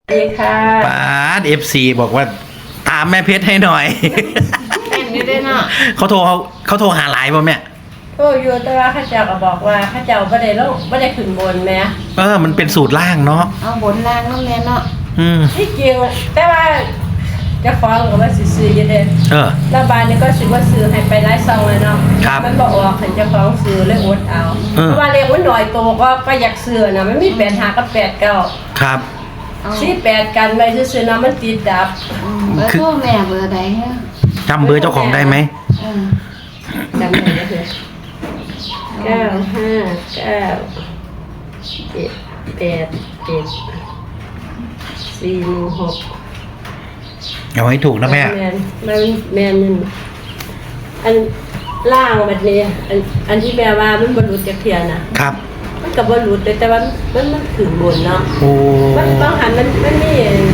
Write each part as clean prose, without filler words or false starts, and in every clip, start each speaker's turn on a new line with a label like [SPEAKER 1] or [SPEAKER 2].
[SPEAKER 1] ดีค่ะ
[SPEAKER 2] ป้าเอฟซีบอกว่าตามแม่เพชรให้หน่อย
[SPEAKER 1] แม่นอยู่ด้วยเนาะ
[SPEAKER 2] เขาโทรหาหลายป่ะแม่
[SPEAKER 1] โอ้อยู่แต่ว่าข้าเจ้าก็บอกว่าข้าเจ้าไม่ได้ลงไม่ได้ขึ้นบนแม่
[SPEAKER 2] มันเป็นสูตรล่างเนาะ
[SPEAKER 1] เอาบนล่างน้องแม่เนาะ ที่จริงแต่ว่าเจะฟ้าของก็ว่าซื้อๆอยู่เด้ แล้วบานนี้ก็ซื้อว่าซื้อให้ไปไล่ซองเลยเนาะ
[SPEAKER 2] ครับ
[SPEAKER 1] มันบอกว่าขันเจะฟ้าของซื้อเลยอดเอาเพราะว่าเลขมันหน่อยโตก็อยากซื้อนะมันมี8 5กับ8 9
[SPEAKER 2] ครับ
[SPEAKER 1] 48กันไว้ซื้อๆนะมันติดดับ
[SPEAKER 3] เบอร์โทรแม่เบอร์ใดฮะ
[SPEAKER 2] จำเบอร์เจ้าของได้ไหม
[SPEAKER 1] จำได้เลย959787416
[SPEAKER 2] เอาให้ถูกนะแม่
[SPEAKER 1] แม่นอันล่างแบบนี้อันที่แม่ว่ามันบรรลุจากเทียนนะครับ มันกับบรรลุแต่ว่ามันถึงบนเนาะ
[SPEAKER 2] โอ้
[SPEAKER 1] มันบางหันมันมี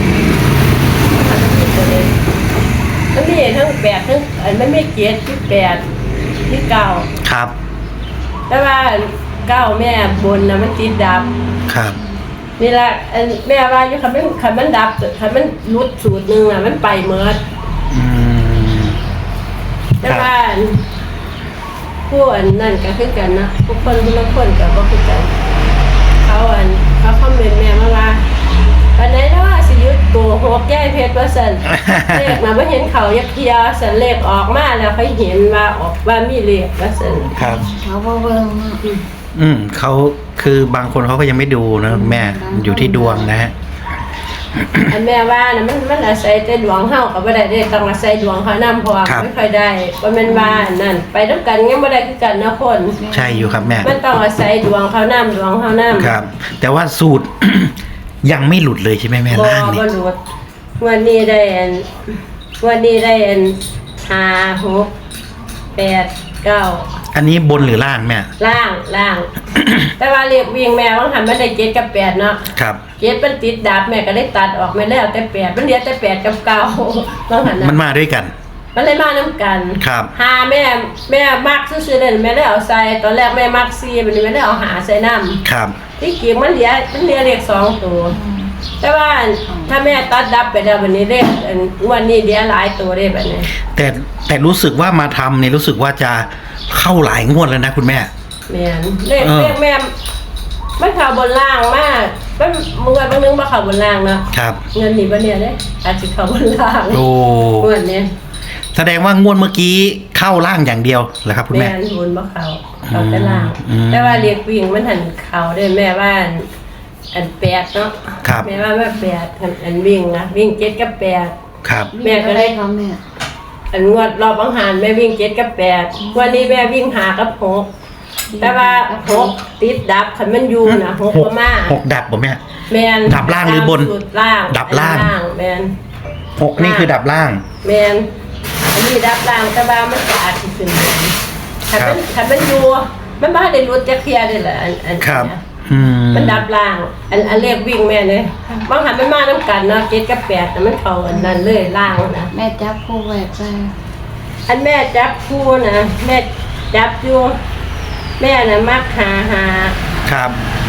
[SPEAKER 1] ตัวเองมันมีทั้ง8ทั้งมันมีเกียรติที่8ที่9
[SPEAKER 2] ครับ
[SPEAKER 1] แต่ว่า9แม่บนนะมันติดดับ
[SPEAKER 2] ครับ
[SPEAKER 1] นี่แหละแม่ว่าอยู่คันมันดับคันมันรุดสูตรนึงมันไปเมิด
[SPEAKER 2] อืม
[SPEAKER 1] แต่ว่าผู้อันนั่นก็คือกันนะผู้คนผู้ละคนก็บ่คือกันเขาคอมเมนต์แม่มาว่าวันไหนนะว่าสิยุดตัวหกแก้เพชรว่าซั่น เลขมาบ่เห็นเขายักเทียซั่นเลขออกมาแล้วเขาเห็นว่าออกว่ามีเลขว่าซั่น
[SPEAKER 2] ครับ
[SPEAKER 3] เขาบ่เบิ่งเนาะ
[SPEAKER 2] เขาคือบางคนเขาก็ยังไม่ดูนะแม่อยู่ที่ดวงนะฮะ
[SPEAKER 1] อันแม่ว่านะมันอาศัยแต่ดวงเฮาก็บ่ได้ต้องอาศัยดวงเขานำเพราะว่าไม่ค่อยได้บ่แม่นว่านั่นไปนำกันยังบ่ได้คือกันนะคน
[SPEAKER 2] ใช่อยู่ครับแม่
[SPEAKER 1] มันต้องอาศัยดวงเขานำดวงเขานำ
[SPEAKER 2] ครับ แต่ว่าสูตร ยังไม่หลุดเลยใช่ไหมแม่ล่างนี่
[SPEAKER 1] บ่รู้วันนี้ได้5 6 8 9
[SPEAKER 2] อันนี้บนหรือล่างแม่
[SPEAKER 1] ล่าง แต่ว่าเรียกวิ่งแม่ว่าหันมันได้7กับ8เนาะ
[SPEAKER 2] ครับ
[SPEAKER 1] 7มันติดดับแม่ก็ได้ตัดออกแม่แล้วแต่8มันเหลือแต่8กับ9ว่าหัน
[SPEAKER 2] มัน
[SPEAKER 1] น่ะ
[SPEAKER 2] มาด้วยกัน
[SPEAKER 1] มันเลยมานํกัน
[SPEAKER 2] ครับ
[SPEAKER 1] หาแม่มักซื่อๆเลยแม่ได้เอาใส่ตอนแรกแม่มัก4บัดนี้แม่ได้เอาหาใส่น้ำ
[SPEAKER 2] ครับ
[SPEAKER 1] ที่จริงมันเหลือเลข2ตัวแต่ว่าถ้าแม่ตัดดับไปแล้ววันนี้เลขวันนี้เหลือหลายตัวเลยแบบนี้
[SPEAKER 2] แต่รู้สึกว่ามาทำเนี่ยรู้สึกว่าจะเข้าหลายงวดแล้วนะคุณแม่
[SPEAKER 1] แม่นเลขแม่มันเข้าบนล่างมากมันเมื่อบางนึงบ่เข้าบนล่างเนาะ
[SPEAKER 2] ครับ
[SPEAKER 1] เงินนี่บ่เนี่ยเด้อาจสิเข้าบนล่าง
[SPEAKER 2] โอ้
[SPEAKER 1] เงินนี้
[SPEAKER 2] แสดงว่างวดเมื่อกี้เข้าล่างอย่างเดียวเหรอครับคุณ
[SPEAKER 1] แม่
[SPEAKER 2] แม่
[SPEAKER 1] นบนบ่เข้าแต่ล่าง
[SPEAKER 2] อืม
[SPEAKER 1] แต่ว่าเลขวิ่งมันหันเข้าได้แม่ว่าอัน8เนาะ
[SPEAKER 2] ครับ
[SPEAKER 1] แม่ว่า8อันวิ่งนะวิ่ง7กับ8
[SPEAKER 2] ครับ
[SPEAKER 1] แม่ก็ได้
[SPEAKER 3] เขาแม่
[SPEAKER 1] อันงวดรอบบางหารแม่วิ่ง7กับ8วันนี้แม่วิ่ง5กับ6แต่ว่า6ติดดับคันมันอยู่นะ6บ่มา
[SPEAKER 2] หกดับบ่แม่
[SPEAKER 1] แม่น
[SPEAKER 2] ดับล่างหรือบน
[SPEAKER 1] สุดล่าง
[SPEAKER 2] ดับล่าง
[SPEAKER 1] แม่น
[SPEAKER 2] หกนี่คือดับล่าง
[SPEAKER 1] แม่นอันนี้ดับล่างแต่ว่ามันก็อาจสิขึ้นบนคันมันอยู่มันบ่ได้รุดจักเที่ยได้ล่ะอัน
[SPEAKER 2] ครับ
[SPEAKER 1] เนี้ย
[SPEAKER 2] อืม
[SPEAKER 1] มันดับล่างอันเลขวิ่งแม่เนี่ยบางหันมันมานํกันเนาะ7กับ8แต่มันเข้าอันนั้นเลยล่างนะ
[SPEAKER 3] แม่จับคู่ไว้ไป
[SPEAKER 1] อันแม่จับคู่นะแม่จับอยู่แม่น่ะมักหา
[SPEAKER 2] ครับ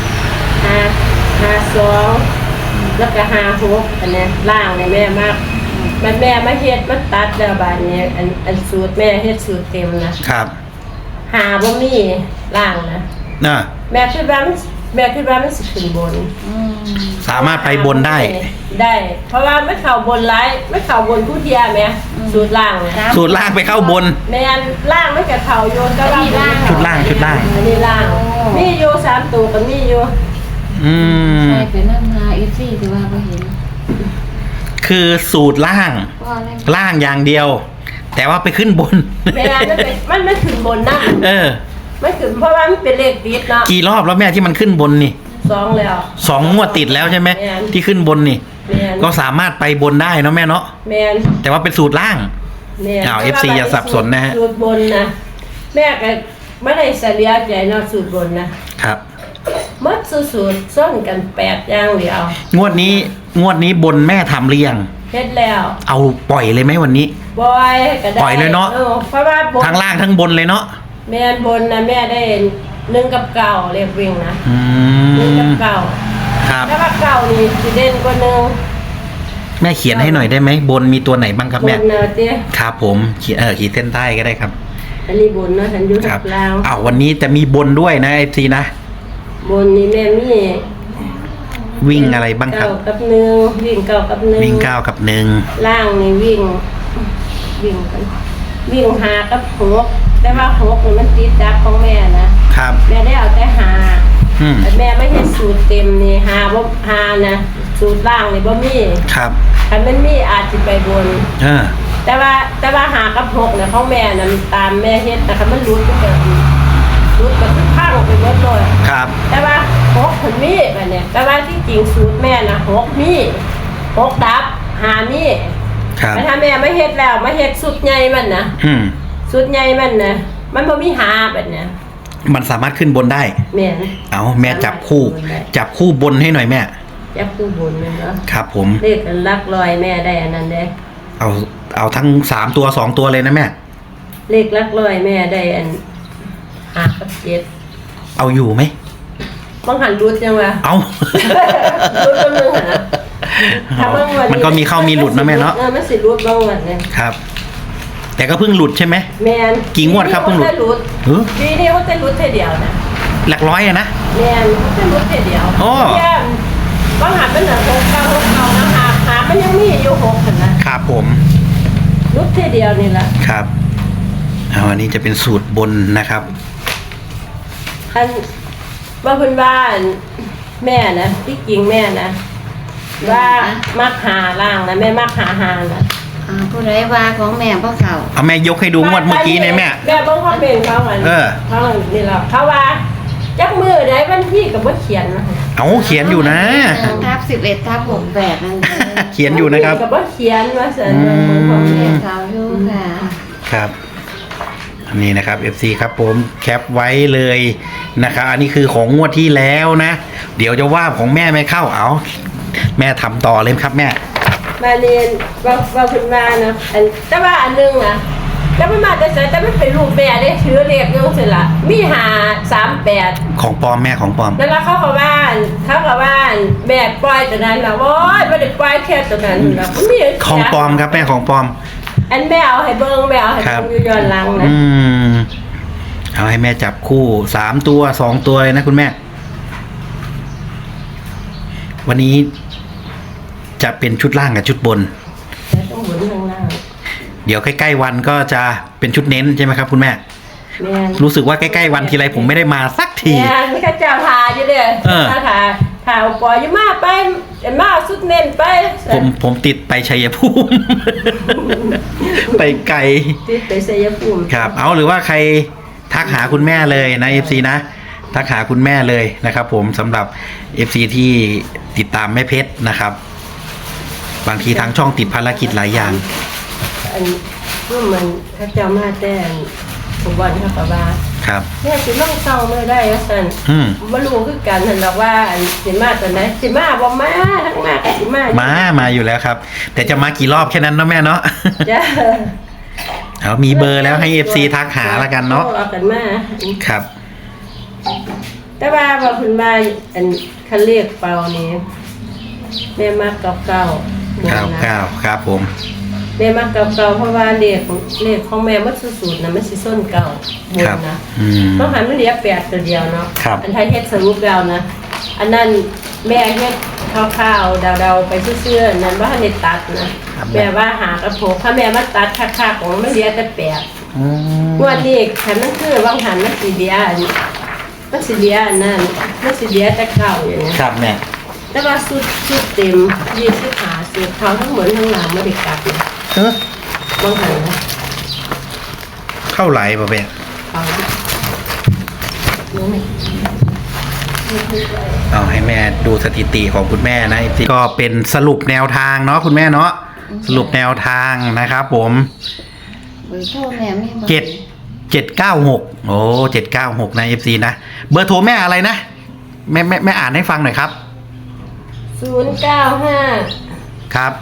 [SPEAKER 1] 2แล้วก็6อันเนี้ยล่างเนี่ยแม่มักมันแม่มาเฮ็ดมันตัดแล้วบาดนี้อันสูตรแม่เฮ็ดสูตรเต็มนะครับบ่มีล่างนะ
[SPEAKER 2] น่ะ
[SPEAKER 1] แม่คิดว่ามันสิขึ้นบน
[SPEAKER 2] สามารถไปบนได้
[SPEAKER 1] ได้ เพราะว่าไม่เข้าบนหลายไม่เข้าบนผู้เทียแม่สูตรล่างเนี่ย
[SPEAKER 2] สูตรล่างไปเข้าบน
[SPEAKER 1] แม่นล่างมันก็เข้าโยนก็ว่า
[SPEAKER 2] ชุดล่าง
[SPEAKER 1] อันนี้ล่างมีอยู่3ตัวก็มีอยู่
[SPEAKER 2] อืม
[SPEAKER 3] ใส่ไปนั่งหาอีซี่สิว่าบ่เห็น
[SPEAKER 2] คือสูตรล่าง
[SPEAKER 3] ว่าอะไร
[SPEAKER 2] ล่างอย่างเดียว แต่ว่าไปขึ้นบน
[SPEAKER 1] เวลามันไม่ถึงบนนั่ง ไม่ถึงเพราะว่ามันเป็นเลขติดเนาะ
[SPEAKER 2] กี่รอบแล้วแม่ที่มันขึ้นบนนี่
[SPEAKER 1] 2แล้ว
[SPEAKER 2] 2 งวดติดแล้วใช่ไหม
[SPEAKER 1] แม่น
[SPEAKER 2] ที่ขึ้นบนนี่
[SPEAKER 1] แม่น
[SPEAKER 2] ก็สามารถไปบนได้เนาะแม่เนาะ
[SPEAKER 1] แม่น
[SPEAKER 2] แต่ว่าเป็นสูตรล่าง
[SPEAKER 1] แม่น
[SPEAKER 2] อ้าว FC อย่าสับสนนะฮะ
[SPEAKER 1] สูตรบนนะแม่ก็ไม่ได้เสียใจเนาะสูตรบนนะครับ หมดสูตรซ่อนกัน8อย่างเดียว
[SPEAKER 2] งวดนี้บนแม่ทำหรือยัง
[SPEAKER 1] เฮ็ดแล้ว
[SPEAKER 2] เอาปล่อยเลยไหมวันนี้
[SPEAKER 1] บอยก็ได้
[SPEAKER 2] ปล่อยเลยเนาะ
[SPEAKER 1] เพราะว่าบน
[SPEAKER 2] ทั้งล่างทั้งบนเลยเนาะ
[SPEAKER 1] แม่นบนนะแม่ได้1กับ9เรียกวิ่งนะ
[SPEAKER 2] อื
[SPEAKER 1] 1กั
[SPEAKER 2] ม
[SPEAKER 1] บ9
[SPEAKER 2] ครับ
[SPEAKER 1] แต่ว่า9นี่สิเด่นกว่า1
[SPEAKER 2] แม่เขียนให้หน่อยได้ไหมบนมีตัวไหนบ้างครับ
[SPEAKER 1] บ
[SPEAKER 2] แม่
[SPEAKER 1] นเนาะเตี้ย
[SPEAKER 2] ครับผมขีดเส้นใต้ก็ได้ครับ
[SPEAKER 1] อันนี้บนเนาะฉันอยู่
[SPEAKER 2] ครั
[SPEAKER 1] ทั
[SPEAKER 2] บบ
[SPEAKER 1] ลาว
[SPEAKER 2] อ้าววันนี้จะมีบนด้วยนะFC นะ
[SPEAKER 1] บนนี่แม่มี
[SPEAKER 2] วิ่งอะไรบ้างครับ
[SPEAKER 1] เก้ากับหนึ่งวิ่งเก้ากับหนึ่ง
[SPEAKER 2] วิ่ง9กับ1
[SPEAKER 1] ล่างนี่วิ่งกันวิ่งหากับหกแต่ว่าหกนี่มันติดดับของแม่นะครับ แม่ได้เอาแต่หา
[SPEAKER 2] อืม
[SPEAKER 1] แต่แม่ไม่ใช่สูตรเต็มนี่หาบ่หานะสูตรล่างนี่บ่มี
[SPEAKER 2] ครับ
[SPEAKER 1] คันมันมีอาจสิไปบน แต่ว่าหากับหกเนี่ยของแม่น่ะมันตามแม่เฮ็ดแต่คันมันรุดก็แบบรุดก็คือพังไปหมดเลย
[SPEAKER 2] ครับ
[SPEAKER 1] แต่ว่าหกผลมีแบบเนี้ยแต่ว่าที่จริงสูตรแม่น่ะหกมีหกดับหามี
[SPEAKER 2] ครับ
[SPEAKER 1] แต่ถ้าแม่ไม่เฮ็ดแล้วมาเฮ็ดสุดใหญ่มันนะ
[SPEAKER 2] อืม
[SPEAKER 1] สุดใหญ่มันนะมันบ่มีหาแบบเนี้ย
[SPEAKER 2] มันสามารถขึ้นบนได้
[SPEAKER 1] แม่น
[SPEAKER 2] เอาแม่จับคู่บนให้หน่อยแม่
[SPEAKER 1] จับคู่บนแม่นเนาะ
[SPEAKER 2] ครับผม
[SPEAKER 1] เลขอันหลักร้อยแม่ได้อันนั้นเด้
[SPEAKER 2] เอาทั้ง3ตัว2ตัวเลยนะแม่
[SPEAKER 1] เลขหลักร้อยแม่ได้อันหากับเจ็ด
[SPEAKER 2] เอาอยู่ไหม
[SPEAKER 1] บางหันรุดจังวะ
[SPEAKER 2] เอา
[SPEAKER 1] รุดบางหันนะถ้าบางวัน
[SPEAKER 2] มันก็มีเข้ามีหลุดนะแม่เนาะ
[SPEAKER 1] มันสิรุดบางวันเนี่ย
[SPEAKER 2] ครับ แต่ก็เพิ่งหลุดใช่ไหม
[SPEAKER 1] แม่น
[SPEAKER 2] กี่งวดครับเพิ่งหลุด เออ
[SPEAKER 1] ปีนี้เขาจะรุดแค่เดียวนะ
[SPEAKER 2] หลักร้อยอะนะ
[SPEAKER 1] แม่นเขาจะรุดแค่เดียว
[SPEAKER 2] โอ้
[SPEAKER 1] เยี่ยมบางหันเป็นหนังหกเก่านะหามันยังมีอยู่หกหันนะครับ
[SPEAKER 2] ผม
[SPEAKER 1] รุดแค่เดียวนี่แหละ
[SPEAKER 2] ครับเอาอันนี้จะเป็นสูตรบนนะครับ
[SPEAKER 1] อันว่าคุณบ้านแม่นะที่จริงแม่นะว่ามักหาล่างนะแม่มักหานะ
[SPEAKER 3] ผู้ใดว่าของแม่บ่เข้า
[SPEAKER 2] เอาแม่ยกให้ดูงวดเมื่อกี้เนี่ยแม่
[SPEAKER 1] แม่ต้องคอมเมนต์เขาอัน
[SPEAKER 2] เออ
[SPEAKER 1] เขาอันนี่แหละเขาว่าจักมือได้วันที่กับว่าเขียนนะ
[SPEAKER 2] เอาเขียนอยู่นะ
[SPEAKER 3] ทับ11/68นั่นเอง
[SPEAKER 2] เขียนอยู่นะครับ
[SPEAKER 1] กับว่าเขียนว่าสัน
[SPEAKER 2] อืม
[SPEAKER 1] ของ
[SPEAKER 3] แม่
[SPEAKER 1] แม่
[SPEAKER 3] เข้าอยู่ค่ะ
[SPEAKER 2] ครับอันนี้นะครับ FC ครับผมแคปไว้เลยนะครับอันนี้คือของงวดที่แล้วนะ เดี๋ยวจะว่าของแม่ไม่เข้าเอาแม่ทำต่อเลยครับแม่
[SPEAKER 1] มาเรียนว่าคุณมานะอันแต่ว่าอันนึงอ่ะแต่ไม่มาแต่ใส่แต่ไม่เป็นรูปแม่ได้ถือเรียกยังสิละมีหา38
[SPEAKER 2] ของปลอมแม่ของปลอม
[SPEAKER 1] แล้วเขาก็ว่าแม่ปล่อยตัวนั้นนะโอ้ยไม่ได้ปล่อยแค่ตัวนั้นนะมี
[SPEAKER 2] ของปลอมครับแม่ของปลอม
[SPEAKER 1] อันแม่เอาให้เบิ้งแม่เอาให้
[SPEAKER 2] ครั
[SPEAKER 1] เบิ้
[SPEAKER 2] บ
[SPEAKER 1] งอยู่ย้อนหลังนะ
[SPEAKER 2] เอาให้แม่จับคู่3ตัว2ตัวเลยนะคุณแม่ วันนี้จะเป็นชุดล่างกับชุดบน
[SPEAKER 1] แต่ต้องหมุนข้างล่าง
[SPEAKER 2] เดี๋ยวใกล้ๆวันก็จะเป็นชุดเน้นใช่ไหมครับคุณแม่
[SPEAKER 1] แม่
[SPEAKER 2] รู้สึกว่าใกล้ๆวันทีไรผมไม่ได้มาสักที
[SPEAKER 1] แม่ไม่ข้าเจ้าทาอยู่เด้
[SPEAKER 2] เออ
[SPEAKER 1] ทาปล่อยอยู่มาไปมาสุดเน้นไป
[SPEAKER 2] ผมติดไปชัยภูมิ ไปไกล
[SPEAKER 1] ติดไปเสียภูมิ
[SPEAKER 2] ครับ เอาหรือว่าใครทักหาคุณแม่เลยนะ FC นะ ทักหาคุณแม่เลยนะครับผมสำหรับ FC ที่ติดตามแม่เพชรนะครับ บางทีทางช่องติดภารกิจหลายอย่าง
[SPEAKER 1] อันก็มันข้าเจ้ามาแต่ผมวันเขาก็ว่า
[SPEAKER 2] ครับ
[SPEAKER 1] แม่สิมาเศร้าเมื่อได้ว่าซั่น
[SPEAKER 2] อืม
[SPEAKER 1] บ่รู้คือกันเห็นดอกว่าอันสิมาตอนไหนสิมาบ่มาทั้งมาก็สิมา
[SPEAKER 2] มาอยู่แล้วครับ แต่จะมากี่รอบแค่นั้นเนาะแม่เนาะ
[SPEAKER 1] จ้ะ
[SPEAKER 2] เอามีเบอร์แล้วให้ FC ทักหาแล้วกันเนาะ
[SPEAKER 1] เอากันมา
[SPEAKER 2] ครับ
[SPEAKER 1] แต่ว่าคุณมาอันคันเลขเป่านี่แม่มักเก่าๆ
[SPEAKER 2] 99ครับผม
[SPEAKER 1] แม่มักเก่าๆเพราะว่าเลขของแม่มันสุดๆนะมันสิส้นเก่าบน
[SPEAKER 2] ครับ
[SPEAKER 1] นะ
[SPEAKER 2] อืม
[SPEAKER 1] ต้องหันมันเหลือ8ตัวเดียวเนาะ
[SPEAKER 2] ครับ
[SPEAKER 1] อันไทยเฮ็ดสรุปแล้วนะอันนั้นแม่เฮ็ดข้าวๆเดาๆไปเชื่อๆนั้นว่าให้ตัดนะครับ แม่ว่าหากระโผกถ้าแม่มาตัดคักๆของมันเหลือแต่8
[SPEAKER 2] อืม
[SPEAKER 1] งวดนี้คันมันคือวางหันมันสิเหลืออันมันสิเหลืออันนั้นมันสิเหลือแต่เก่าอย่างเงี้ย
[SPEAKER 2] ครับแม่
[SPEAKER 1] แต่ว่าสุดเต็ม25สุดเขาทั้งหมดทั้งหลังไม่ได้กลับนะ
[SPEAKER 2] เออ
[SPEAKER 1] วางหันนะ
[SPEAKER 2] เข้าไหลป่ะแม่
[SPEAKER 1] เอานี่
[SPEAKER 2] เอาให้แม่ดูสถิติของคุณแม่นะ FC ก็เป็นสรุปแนวทางเนาะคุณแม่เนาะสรุปแนวทางนะครับผม
[SPEAKER 3] เบอร์โทรแม่มีบ่
[SPEAKER 2] 796โอ้796นะ FC นะเบอร์โทรแม่อะไรนะแม่อ่านให้ฟังหน่อยครับ
[SPEAKER 1] 095
[SPEAKER 2] ครับ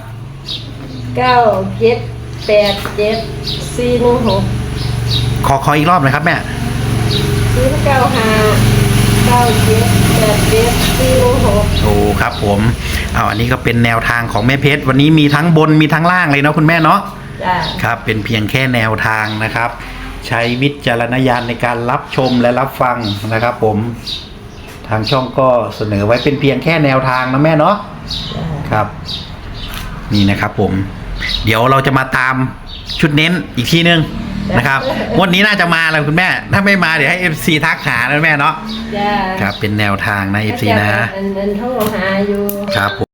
[SPEAKER 1] 9787 416
[SPEAKER 2] ขออีกรอบหน่อยครับแม่
[SPEAKER 1] 095 9787 416
[SPEAKER 2] โอ้ครับผมเอาอันนี้ก็เป็นแนวทางของแม่เพชรวันนี้มีทั้งบนมีทั้งล่างเลยเนาะคุณแม่เนาะ
[SPEAKER 1] จ้า
[SPEAKER 2] ครับเป็นเพียงแค่แนวทางนะครับ ใช้วิจารณญาณในการรับชมและรับฟังนะครับ ผมทางช่องก็เสนอไว้เป็นเพียงแค่แนวทางนะแม่เนาะ
[SPEAKER 1] จ้า
[SPEAKER 2] ครับ นี่นะครับผม เดี๋ยวเราจะมาตามชุดเน้นอีกทีนึงนะครับงวดนี้น่าจะมาแล้วคุณแม่ ถ้าไม่มาเดี๋ยวให้ FC ทักหานะแม่เนาะ
[SPEAKER 1] จ้า
[SPEAKER 2] ครับเป็นแนวทางนะ FC นะ
[SPEAKER 1] อันโทรหาอยู่
[SPEAKER 2] ครับผม